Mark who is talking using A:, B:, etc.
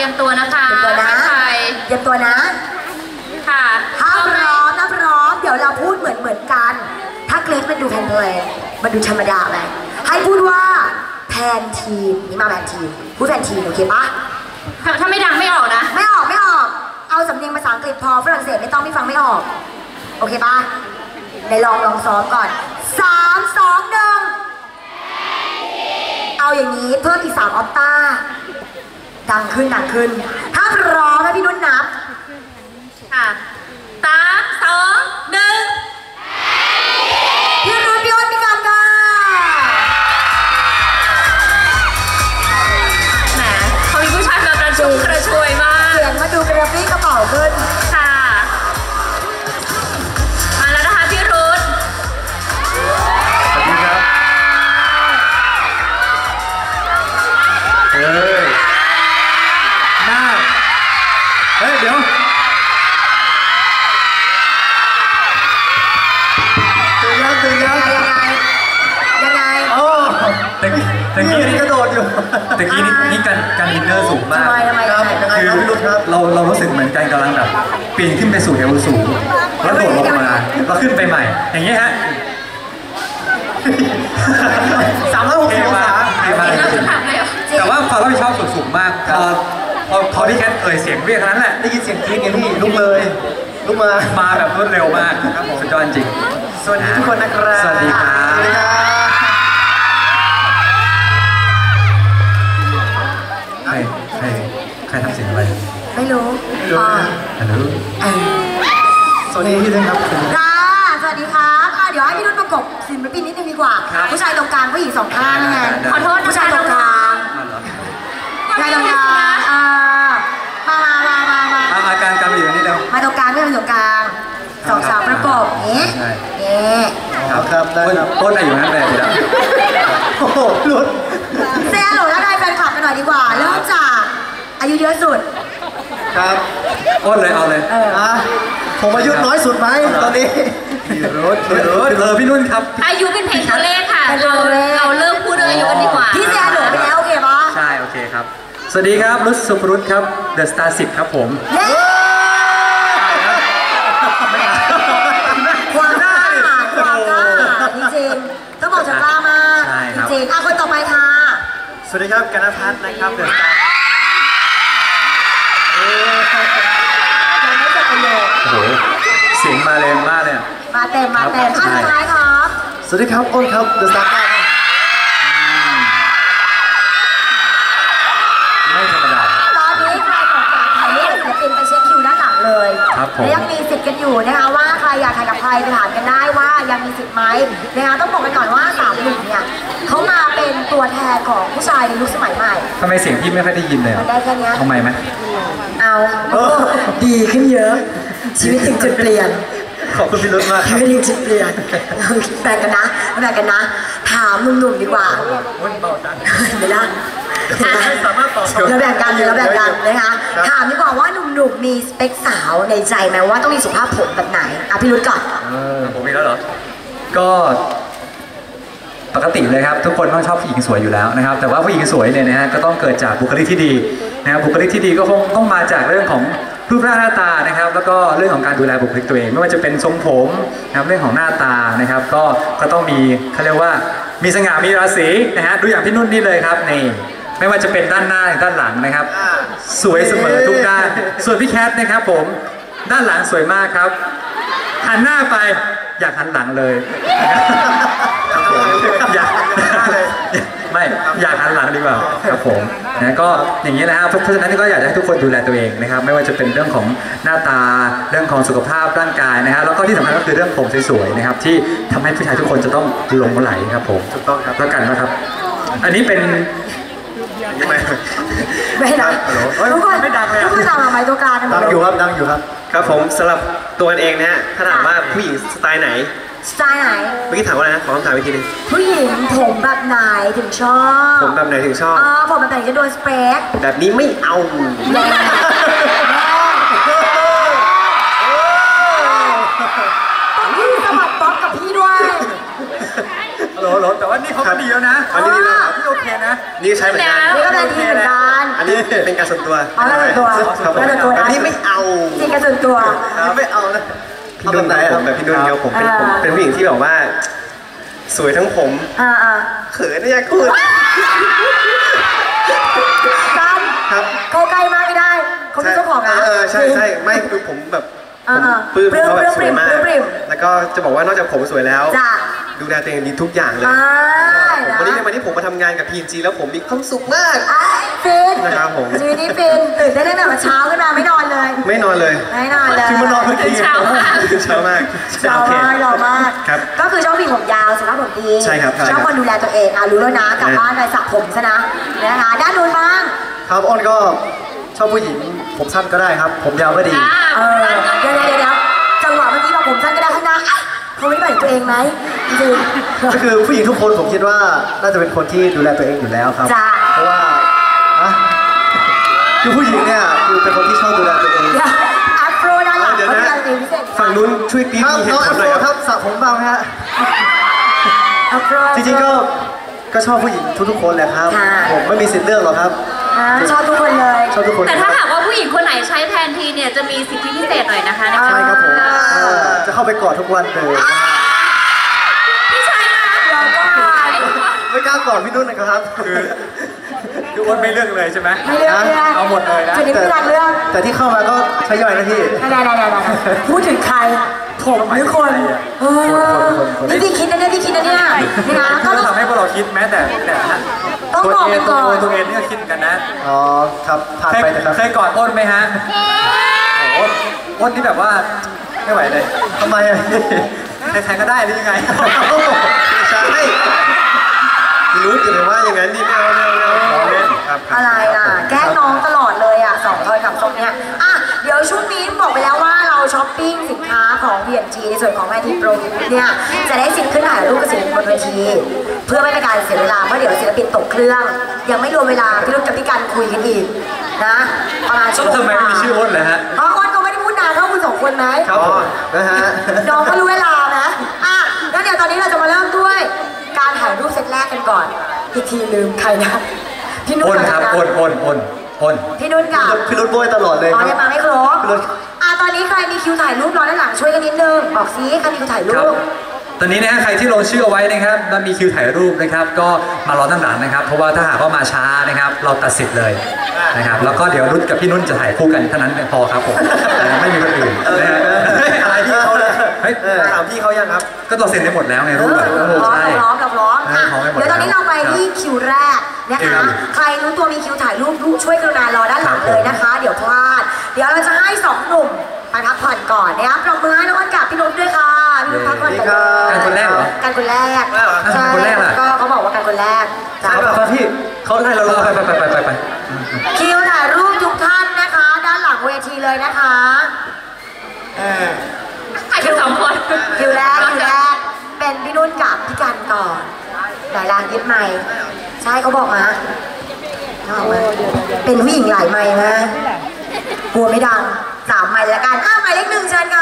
A: รียมตัวนะคะ
B: เตรียมตัวนะเตรียมตัวนะ
A: ค่ะ
B: ถ้าพร้อมนะพร้อมเดี๋ยวเราพูดเหมือนกันถ้าเกรซมันดูแพนเลยมันดูธรรมดาไปให้พูดว่าแพนทีมนี่มาแพนทีมพูดแพนทีมโอเคปะ
A: ถ้าไม่ดังไม่ออกนะ
B: ไม่ออกเอาสำเนียงภาษาอังกฤษพอฝรั่งเศสไม่ต้องไม่ฟังไม่ออกโอเคปะในลองซ้อมก่อน3 2 1เอาอย่างนี้เพิ่มอีก3ออคตาดังขึ้นถ้าพร้อมให้พี่นุ่นนับ
A: ค่ะ3 2 1
B: พี่รุ่นพี่อ้นพี่กำค่ะ
A: แหมเขามีผู้ชายแบบกระชุ่มกระชวยมาก
B: เสียงมาดูกระปรี้กระเป๋าขึ้น
A: ค่ะมาแล้วนะคะพี่รุ่น
C: สวัสดีครับหน้าเดี๋ยวตื่นยัง
B: ยังไง
C: โอ้ตะกี้นี่กระโดดอยู่ตะกี้นี่การอินเนอร์สูงมาก
B: ทำไม
C: คือเรารู้สึกเหมือนกันกำลังแบบปีนขึ้นไปสู่เอวสูงแล้วโดดลงมาแล้วขึ้นไปใหม่อย่างนี้ฮะ
B: 360 องศา
C: แต่ว่าความรับผิดชอบสูงมากพอที่แคทเสียงเรียกนั้นแหละได้ยินเสียงกรี๊ดไงพี่ลุกมาแบบรวดเร็วมากครับผมสุดยอดจริง
B: สวัสดีทุกคนนะครับ
C: สวัสดีครับใครทำเสียงอะไร
B: ไม่รู้
C: ฮัลโหล
B: สวัสดีพี่ด้วยครับสวัสดีครับเดี๋ยวให้พี่นุ่นประกบศิลปินนิดนึงดีกว่าผู้ชายตรงกลางผู้หญิง2 ข้างไง
A: ขอโทษ
B: ผู้ชายตรงกลางผู้ชายตรงกลาง
C: มาการไปอยู่นี่เดียว
B: มาตรงกลางไม่เป็นตรงกลาง2 สาวประกบนี้
C: ครับได้ครับต้นอะไรอยู่นั่นเลยดีแล้วโอ้โหหลุด
B: เซฮัลโหลแล้วได้แฟนคลับกันหน่อยดีกว่าเริ่มจากอายุเยอะสุด
C: ครับต้นเลยเอาเลย
D: ผมอายุน้อยสุดไหมตอนนี้
C: พี่นุ่นครับ
A: อายุเป็นเพลงตัวเลขค่ะเราเริ่มพูดเรื่องอายุกันดีกว่า
B: พี่เซฮัลโหลไปแล้วโอเคปะ
C: ใช่โอเคครับสวัสดีครับรุษสุภรุษครับเดอะสตาร์10ครับผม
B: ความกล้าจริงๆต้องบอกจะกล้ามากจริงๆคนต่อไปค่ะ
D: สวัสดีครับกนภัทรนะครับเดอะสตาร์
B: ยังไม่จบประโยค
C: โอ้โหเสียงมาแรงมากเลย
B: มาเต็มท่านสุดท้ายครับ
D: สวัสดีครับอ้นครับเดอะสตาร์
C: ไม่ธรรมดา
B: ตอนนี้ใครสนใจถ่ายรูปศิลปินไปเช็คคิวด้านหลังเลยและยังมีสิทธิ์กันอยู่นะคะว่าใครอยากถ่ายกับใครไปถามกันได้ว่ายังมีสิทธิ์ไหมนะคะต้องบอกกันก่อนว่า3 หนุ่มเนี่ยเขามาเป็นตัวแทนของผู้ชายในยุคสมัยใหม่
C: ทำไมเสียงพี่ไม่ค่อยได้ยินเลย
B: ได้แค่นี้
C: ทำไมไหม
B: เอาดีขึ้นเยอะชีวิตถึงจุดเปลี่ยน
C: ขอบคุณพี่รุ่นมาก
B: ชีวิตถึงจุดเปลี่ยนแบ่งกันนะถามหนุ่มๆดีกว่าไม่ได้เราแบ่งกันนะคะถามดีกว่าว่าหนุ่มๆมีสเปคสาวในใจไหมว่าต้องมีสุขภาพผมแบบไหนพี่รุ่นก่อน
C: ผมมีแล้วเหรอก็ปกติเลยครับทุกคนต้องชอบผู้หญิงสวยอยู่แล้วนะครับแต่ว่าผู้หญิงสวยเนี่ยนะฮะก็ต้องเกิดจากบุคลิกที่ดีนะครับบุคลิกที่ดีก็คงต้องมาจากเรื่องของรูปร่างหน้าตานะครับแล้วก็เรื่องของการดูแลบุคลิกตัวเองไม่ว่าจะเป็นทรงผมนะครับเรื่องของหน้าตานะครับก็ต้องมีเขาเรียกว่ามีสง่ามีราศีนะฮะดูอย่างพี่นุ่นนี่เลยครับนี่ไม่ว่าจะเป็นด้านหน้าหรือด้านหลังนะครับสวยเสมอทุกด้านส่วนพี่แคทนะครับผมด้านหลังสวยมากครับหันหน้าไปอยากหันหลังเลยอยากหันหลังดีกว่าครับผมนะก็อย่างนี้นะครับเพราะฉะนั้นก็อยากให้ทุกคนดูแลตัวเองนะครับไม่ว่าจะเป็นเรื่องของหน้าตาเรื่องของสุขภาพร่างกายนะครับแล้วก็ที่สำคัญก็คือเรื่องผมสวยๆนะครับที่ทำให้ผู้ชายทุกคนจะต้องหลงไหลครับผม
D: ถูกต้องครับ
C: แล้วกันนะครับอันนี้เป็น
B: ไม่ดังทุกคน
D: ไม่ดังเลย
B: ทุกคนดังไหมตัวกลาง
D: ดังอยู่ครับ
E: ครับผมสำหรับตัวเองนะฮะถ้าถามว่าผู้หญิงสไตล์ไหนเมื่อกี้ถามว่าอะไรนะขอคำถามอีกทีนึง
B: ผู้หญิงผมแบบไหนถึงชอบ
E: ผมแบบไหนถึงชอบ
B: ผมแบบไหนจะโดนสเปค
E: แบบนี้ไม่เอา
B: ต้องพี่สมัครป๊อปกับพี่ด้วย
C: โหลแต่ว่านี่เขาก็ดีแล้วนะ
E: อันนี้ดีแล้ว
C: พี่โอเคนะ
E: นี่ใช้เหมือนกัน
B: นี่ก็เป็นดีเหมือนกัน
E: อันนี้เป็นการส่วนตัว
B: อ๋อแล้วส่วนตัว
E: ครับผม
B: แล้วส่วนตัว
E: อัน
B: นะ
E: นี้ไม่เอา
B: จริงกับส่วนตัว
D: ไม่เอานะ
E: พี่นุ่นไหนผมแบบพี่นุ่นเดียวผมเป็นผู้หญิงที่แบบว่า สวยทั้งผม
B: อ่า
E: เขินนะอยากพูด
B: ตั้ม
E: ครับ
B: เข้าใกล้มากไม่ได้เขาเป็นเจ้าของนะ
E: ใช่ใช่ไม่คือผมแบบ
B: อ่า
E: ผมปลื้มเขาแบบสวยมาก
B: ปลื้ม
E: แล้วก็จะบอกว่านอกจากผมสวยแล้ว
B: จ้ะ
E: ดูแลตัวเองดีทุกอย่างเลย
B: อ่า
E: วันนี้ในวันที่ผมมาทำงานกับ PNG แล้วผมมีความสุขมาก
B: ฟิน
E: นะครับผม
B: ชีวิตนี้ฟินตื่นได้ตั้งแต่เช้าขึ้นมาไม่นอนเลย
E: ไม่นอนเลย
B: ไม่นอนเลย
E: คือมานอนเมื่อกี้
A: เช้ามาก
E: เช้ามาก
B: เรา
E: โอเค
B: มากเรามาก
E: ครับ
B: ก็คือชอบผู้หญิงผมยาวสุภาพผมดี
E: ใช่ครับใช่
B: ชอบคนดูแลตัวเองรู้แล้วนะกลับบ้านไปสระผมซะนะนะคะด้านนู้นบ้าง
D: ครับอ้นก็ชอบผู้หญิงผมสั้นก็ได้ครับ ผมยาวก็ดี
B: เดี๋ยวจังหวะเมื่อกี้เราผมสั้นก็ได้ข้างหน้าเขาไม่ได้หมายถึงตัวเองไหมจริง
D: ก็คือผู้หญิงทุกคนผมคิดว่าน่าจะเป็นคนที่ดูแลตัวเองอยู่แล้วครับ
B: จ้ะ
D: เพราะว่าอะคือผู้หญิงเนี่ยคือเป็นคนที่ชอบดูแลตัวเอง
B: เดี๋ยวอัพโปรด้านหลัง
E: เดี๋ยว
B: เขา
E: นะ
B: ดูแลตัวเองพิเศษ
E: ฝั่งนู้นช่วยกรี๊ด
D: ครับ
E: มีเห
D: น้อง
E: ตุผ
D: อั
E: ล
D: พ
E: ห
D: โร
E: น่อยครับ
D: ครับสระผมบ้างไหมฮะ
B: อัพโปร
D: จริงๆก็ชอบผู้หญิงทุกๆคนแหละครับ
B: ค่ะ
D: ผมไม่มีสิทธิ์เลือกหรอกครับ
B: ชอบทุกคนเลย
D: ชอบทุกคน
A: แต่ถ้าหากว่าผู้หญิงคนไหนใช้แทนทีเนี่ยจะมีสิทธิพิเศษหน่อยนะคะ
D: ใช่ครับผมจะเข้าไปกอดทุกวันเลย
A: พี่ชัยนะ
B: เราก็
D: ไม่กล้ากอดพี่นุ่นนะครับ
C: คืออ้วนไม่เลือกเลยใช่ไหม
B: ไม่เลือก
C: เอาหมดเลยนะ
B: จุดนี้ไม่รักเรื่อง
D: แต่ที่เข้ามาก็ใช้ย่อยนะพี่
B: ได้พูดถึงใครผมหรือคนนี่พี่คิดนะเนี่ยนะก็
C: ก็
B: ต้อง
C: ทำให้พวกเราคิดแม้แต่
B: ต้องบอกไปก่อน
C: ตัวเองนี่ก็คิดกันนะ
D: อ๋อครับผ่านไปนะครับ
C: เคยกอดอ้นไหมฮะโอ้อ้นที่แบบว่าไม่ไหวเลย
D: ทำไมอะพี่
C: ใครๆก็ได้หรือยังไง
E: ใช่รู้อยู่เลยว่าอย่างนั้นนี่ไม่เอาเล่นครับ
B: อะไรล่ะแกล้งน้องตลอดเลยสองทอยกับทรงเนี้ยเดี๋ยวช่วงนี้บอกไปแล้วว่าเราช้อปปิ้งสินค้าของ B&G ในส่วนของแมทีโปรเนี่ยจะได้สิทธิ์ขึ้นถ่ายรูปกับศิลปินบนเวทีเพื่อไม่เป็นการเสียเวลาเพราะเดี๋ยวศิลปินตกเครื่อง ยังไม่รวมเวลาพี่รุ่นกับพี่กันคุยกันอีกนะประมาณชั่วโมง
C: ทำไมไม่มีชื่ออ้นเลยฮะ
B: เพราะอ้นก็ไม่ได้พูดนานเท่าคุณสองคนไหม
D: ครับผมนะฮะ
B: น้องก็รู้เวลานะแล้วเดี๋ยวตอนนี้เราจะมาเริ่มด้วยการถ่ายรูปเซตแรกกันก่อนอีกทีลืมใครนะพี่นุ่น
C: อ้นครับอ้น
B: พี่นุ่นกับ
D: พี่รุ่นโบยตลอดเลย
B: อ๋
D: ค
B: อ
D: รับ
B: ยังมาไม่ครบ
D: พี่รุ่น
B: ตอนนี้ใครมีคิวถ่ายรูปรอด้านหลังช่วยกันนิดนึงบอกซิใครมีคิวถ่ายรู
C: ครับ
B: ป
C: ตอนนี้นะฮะใครที่ลงชื่อเอาไว้นะครับแล้วมีคิวถ่ายรูปนะครับ ก็มารอด้านหลังนะครับ เพราะว่าถ้าหากว่ามาช้านะครับ เราตัดสิทธิ์เลยนะครับ แล้วก็เดี๋ยวรุ่นกับพี่นุ่นจะถ่ายคู่กันเท่านั้นพอครับผมไม่มีคนอื่นนะฮะ
E: อะไรพี่เขาเลย
C: เฮ้ย
E: ถามพี่เขายังครับ
C: ก็เราเซ็นได้หมดแล้วไงรูปแบบใช่
B: เราพร้อม
C: พร้อมไปหมด
B: เดี๋ยวตอนนี้เราไป
C: ครับ
B: ที่คิวแรกนะคะ
C: ครับ
B: ใครรู้ตัวมีคิวถ่ายรูปช่วยกรุณารอด้านหลัง
C: ครับ
B: เลยนะคะ เดี๋ยวพลาด เดี๋ยวเราจะให้สองหนุ่มไปพักผ่อนก่อนนะครับปรบมือให้น้องอ้นกับพี่นุ๊กด้วยค่ะพี่นุ๊กพักผ่อนก่อนเลย
C: การคนแรกเหรอ
B: การคนแรก
C: ใช่ คนแรกล่ะ
B: ก็เขาบอกว่าการคนแรกจ้ะ
D: ครับพี่เขาให้เราลง
C: ไป
B: คิวถ่ายรูปทุกท่านนะคะ ด้านหลังเวทีเลยนะคะ
A: ใครกันสองคน
B: คิวแรกเป็นพี่นุ่นกับพี่กันก่อนหลายรางยึดไมค์ใช่เขาบอกมาเป็นผู้หญิงหลายไมค์นะกลัวไม่ดัง3 ไมค์แล้วกันหมายเลข 1เชิญค่ะ